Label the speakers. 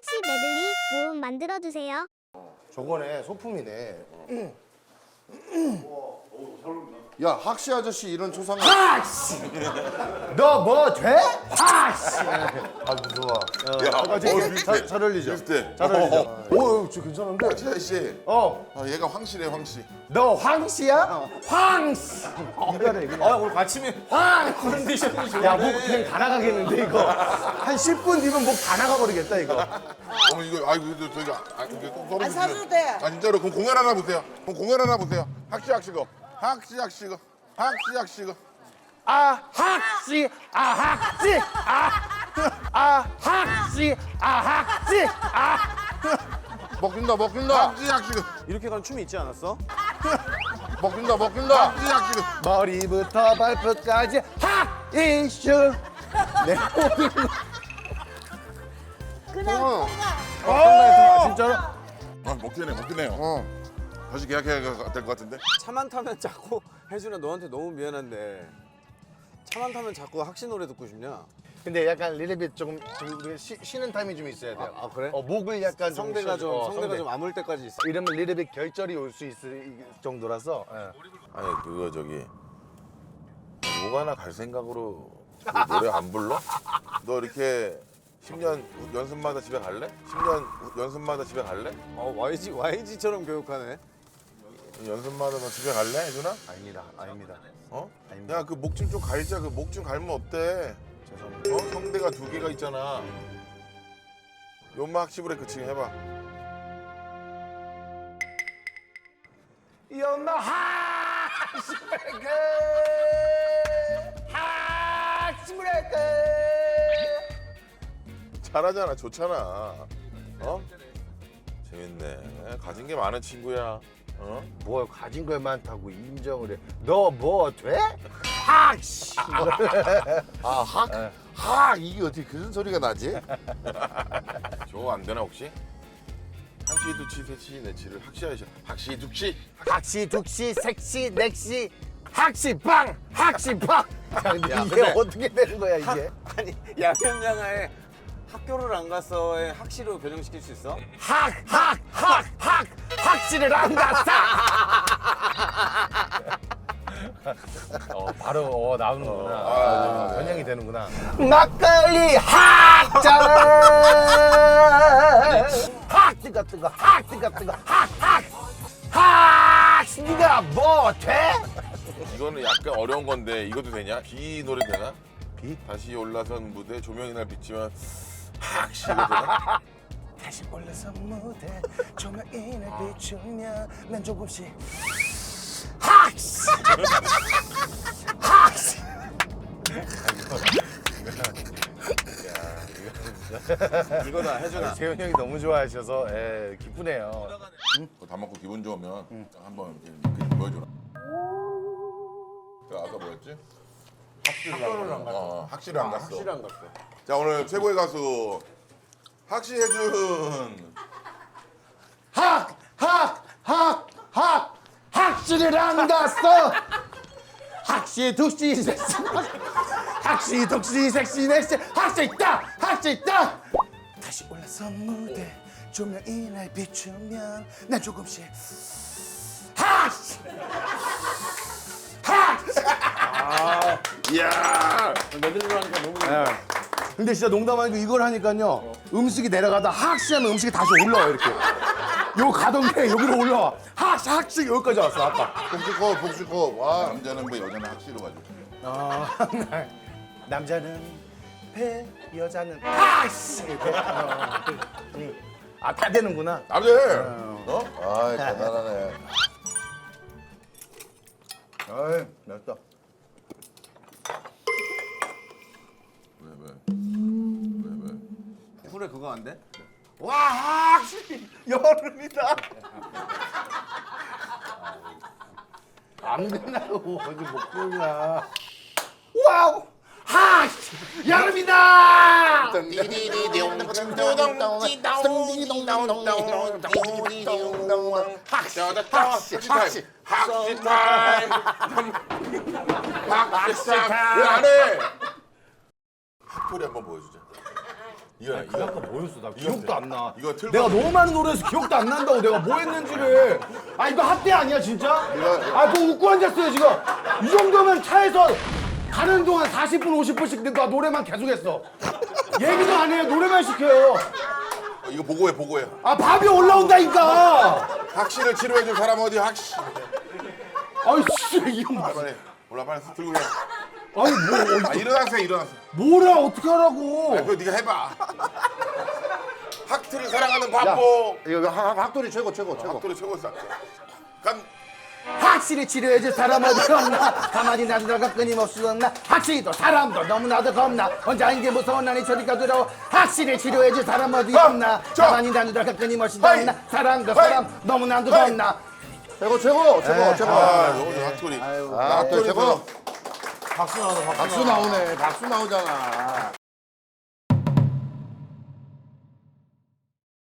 Speaker 1: 학시 메들리 모음 만들어주세요.
Speaker 2: 저거네, 소품이네. 야, 학시 아저씨 이런 초상화.
Speaker 3: 학시! 너 뭐 돼? 학시!
Speaker 2: 아, 무서워.
Speaker 3: 잘 어울리죠?
Speaker 4: 비슷해.
Speaker 3: 잘 어울리죠? 오, 저 괜찮은데?
Speaker 4: 최 씨.
Speaker 3: 어,
Speaker 4: 얘가 황씨래 황씨.
Speaker 3: 너 황씨야? 황씨! 이거래, 그냥.
Speaker 5: 오늘 받침이
Speaker 3: 황!
Speaker 5: 컨디션이 좋네.
Speaker 3: 야, 목 그냥 다 나가겠는데, 이거. 한 10분 뒤면 목 다 나가버리겠다, 이거.
Speaker 4: 어머 이거 이거 저희가 이게 꼭 썰어주세요.
Speaker 6: 안 사줘도 돼.
Speaker 4: 아 진짜로 그럼 공연 하나 보세요. 그럼 공연 하나 보세요. 학시 학시거. 학시 학시거. 학시 학시거.
Speaker 3: 아, 학시! 아, 학시! 아, 학시! 아, 학시!
Speaker 2: 먹힌다, 먹힌다.
Speaker 4: 학시 학시거.
Speaker 5: 이렇게 가는 춤이 있지 않았어?
Speaker 2: 먹힌다, 먹힌다.
Speaker 4: 학시 학시거.
Speaker 3: 머리부터 발끝까지 이슈 내 모든
Speaker 6: 그냥
Speaker 3: 진짜로?
Speaker 4: 아 먹히네요.
Speaker 2: 어.
Speaker 4: 다시 계약해야 될 것 같은데.
Speaker 5: 차만 타면 자꾸 혜준아 너한테 너무 미안한데 차만 타면 자꾸 학시 노래 듣고 싶냐?
Speaker 3: 근데 약간 리레빗 조금 우리가 쉬는 타임이 좀 있어야 돼요.
Speaker 5: 아, 그래?
Speaker 3: 목을 약간
Speaker 5: 성대가 좀
Speaker 3: 쉬어줘.
Speaker 5: 성대가 좀 아물 때까지 있어.
Speaker 3: 이러면 리레빗 결절이 올 수 있을 정도라서. 예.
Speaker 4: 아니 그거 저기 뭐가나 갈 생각으로 그 노래 안 불러? 너 이렇게 10년 연습마다 집에 갈래? 10년 연습마다 집에 갈래?
Speaker 5: YG처럼 교육하네.
Speaker 4: 연습마다 너 집에 갈래, 혜준아?
Speaker 3: 아닙니다.
Speaker 4: 어?
Speaker 3: 아닙니다.
Speaker 4: 야 그 목 좀 갈자. 그 목 좀 갈면 어때?
Speaker 3: 죄송합니다.
Speaker 4: 성대가 2개가 있잖아. 연마 학시 브레이크 지금 해봐.
Speaker 3: You're my heartbreaker. heartbreaker.
Speaker 4: 잘하잖아, 좋잖아. 어? 재밌네. 가진 게 많은 친구야. 어?
Speaker 3: 뭐 가진 걸 많다고 인정을 해. 너 뭐 돼? 학시.
Speaker 2: 아, 학, 이게 어떻게 그런 소리가 나지?
Speaker 4: 저거 안 되나 혹시? 한치, 두치, 세치, 네치를 학시하셔. 학시, 두치.
Speaker 3: 학시, 독시, 색시, 넥시, 학시빵, 학시빵. 이게
Speaker 5: 근데-
Speaker 3: 어떻게 되는 거야 이게?
Speaker 5: 아니 양현양아의 학교를 안 가서의 학시로 변형시킬 수 있어?
Speaker 3: 학시를 안 갔어. 바로 나오는구나. 변형이 되는구나. 막걸리 학자. 학 같은 거, 학 같은 거, 학. 네가 뭐 돼?
Speaker 4: 이거는 약간 어려운 건데 이것도 되냐? 비 노래 되나? 비? 다시 올라선 무대 조명이 날 비치면 학시 이거 되나?
Speaker 3: 다시 올라서 무대 조명인을 비추면 난 조금씩 학시 학시
Speaker 5: 이거다 혜준아.
Speaker 3: 재훈 형이 너무 좋아하셔서 기쁘네요.
Speaker 4: 그거 다 먹고 기분 좋으면 한번 이렇게 보여줘라. 자, 아까 뭐였지? 학시를 안 갔어. 학시를 안 갔어.
Speaker 5: 학시를 안 갔어.
Speaker 4: 자, 오늘 최고의 가수 학시혜준.
Speaker 3: 학시를 안 갔어. 학시 독시 섹시 학시 독시 섹시 넥시 학시 있다 학시 있다. 다시 올라서 무대 조명이 날 비추면 난 조금씩 학시 학시.
Speaker 4: 이야!
Speaker 5: 메들리로 하니까 너무
Speaker 3: 근데 진짜 농담 아니고 이걸 하니까요 음식이 내려가다 학시하면 음식이 다시 올라와 이렇게. 요 가던 게 여기로 올라와. 학시 여기까지 왔어 아까.
Speaker 4: 복수컵, 복수컵. 와, 남자는 뭐 여자는 학시로 가지고.
Speaker 3: 남자는 배, 여자는 학시. 다 되는구나.
Speaker 4: 남자! 어?
Speaker 2: 아이, 대단하네.
Speaker 3: 아이, 맛있다.
Speaker 4: 왜?
Speaker 5: 쿨에 그거 안 돼?
Speaker 3: 와, 학시 여름이다. 안 된다고 어디 목소리야. 와우, 학시 여름이다.
Speaker 4: 학시 타임! 학시 타임! 학시 타임! 왜 안 해? 학교리 한번 보여주자. 이거
Speaker 3: 아까 뭐였어? 나 기억도 안 나.
Speaker 4: 이거 틀고
Speaker 3: 내가 너무 많은 노래에서 기억도 안 난다고 내가 뭐 했는지를. 아 이거 합대 아니야 진짜? 아 뭐 웃고 앉았어요 지금. 이 정도면 차에서 가는 동안 40분 50분씩 나 노래만 계속했어. 얘기도 안 해요. 노래만 시켜요.
Speaker 4: 이거 보고해.
Speaker 3: 아 밥이 올라온다니까.
Speaker 4: 학시를 치료해줄 사람 어디 학시.
Speaker 3: 아이 씨 이거 뭐.
Speaker 4: 빨리 올라 빨리 들고 해.
Speaker 3: 아니 뭐
Speaker 4: 아 일어나세요.
Speaker 3: 뭐라 어떻게 하라고.
Speaker 4: 그거 네가 해봐. 학트를 사랑하는 바보.
Speaker 2: 이거 학돌이 최고.
Speaker 4: 학도리 최고였어. 간.
Speaker 3: 확실히 치료해줄 사람 어디 없나. 가만히 놔두다가 끊임없이 없나. 확실히 또 사람도 너무나도 겁나. 혼자인 게 무서운 나니 저리가 들어. 확실히 치료해줄 사람 어디 없나. 가만히 놔두다가 끊임없이 없나. 사람도 사람 너무나도 겁나.
Speaker 2: 최고.
Speaker 4: 아 너무 학토리.
Speaker 2: 학돌이 최고.
Speaker 3: 박수 나오네.
Speaker 2: 박수 나오네. 박수 나오잖아.